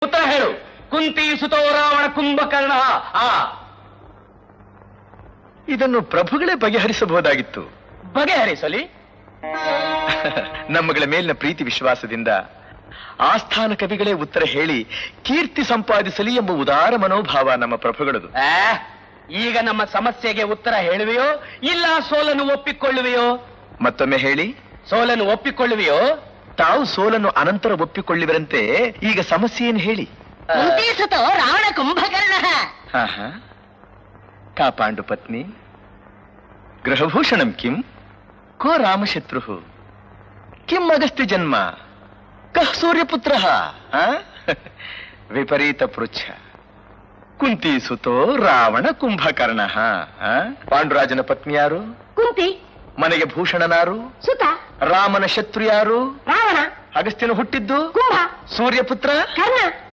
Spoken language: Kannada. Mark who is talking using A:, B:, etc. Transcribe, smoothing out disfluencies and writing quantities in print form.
A: ಉತ್ತರ ಹೇಳು. ಕುಂತಿ ಸುತೋ ರಾವಣ ಕುಂಭಕರ್ಣ.
B: ಇದನ್ನು ಪ್ರಭುಗಳೇ ಬಗೆಹರಿಸಬಹುದಾಗಿತ್ತು.
A: ಬಗೆಹರಿಸಲಿ.
B: ನಮ್ಮಗಳ ಮೇಲಿನ ಪ್ರೀತಿ ವಿಶ್ವಾಸದಿಂದ ಆಸ್ಥಾನ ಕವಿಗಳೇ ಉತ್ತರ ಹೇಳಿ ಕೀರ್ತಿ ಸಂಪಾದಿಸಲಿ ಎಂಬ ಉದಾರ ಮನೋಭಾವ ನಮ್ಮ ಪ್ರಭುಗಳದು.
A: ಈಗ ನಮ್ಮ ಸಮಸ್ಯೆಗೆ ಉತ್ತರ ಹೇಳುವೆಯೋ ಇಲ್ಲ ಸೋಲನ್ನು ಒಪ್ಪಿಕೊಳ್ಳುವೆಯೋ?
B: ಮತ್ತೊಮ್ಮೆ ಹೇಳಿ.
A: ಸೋಲನ್ನು ಒಪ್ಪಿಕೊಳ್ಳುವೆಯೋ?
B: ತಾವು ಸೋಲನ್ನು ಅನಂತರ ಒಪ್ಪಿಕೊಳ್ಳುವಿರಂತೆ ಈಗ ಸಮಸ್ಯೆಯನ್ನು ಹೇಳಿ.
C: ರಾವಣ ಕುಂಭಕರ್ಣ.
B: ಕಾ ಪಾಂಡು ಪತ್ನಿ ಗೃಹಭೂಷಣಂ ಕಿಂ ಕೋ ರಾಮಶತ್ರು ಕಿಂ ಅಗಸ್ತ್ಯ ಜನ್ಮ ಕಃ ಸೂರ್ಯಪುತ್ರ ವಿಪರೀತ ಪೃಚ್ಛ ಕುಂತಿ ಸುತೋ ರಾವಣ ಕುಂಭಕರ್ಣ. ಪಾಂಡುರಾಜನ ಪತ್ನಿ ಯಾರು?
C: ಕುಂತಿ.
B: ಮನೆಗೆ ಭೂಷಣನಾರು?
C: ಸುತ.
B: ರಾಮನ ಶತ್ರು ಯಾರು?
C: ರಾವಣ.
B: ಅಗಸ್ತ್ಯನು ಹುಟ್ಟಿದ್ದು
C: ಕುಂಭ.
B: ಸೂರ್ಯಪುತ್ರ
C: ಕರ್ಣ.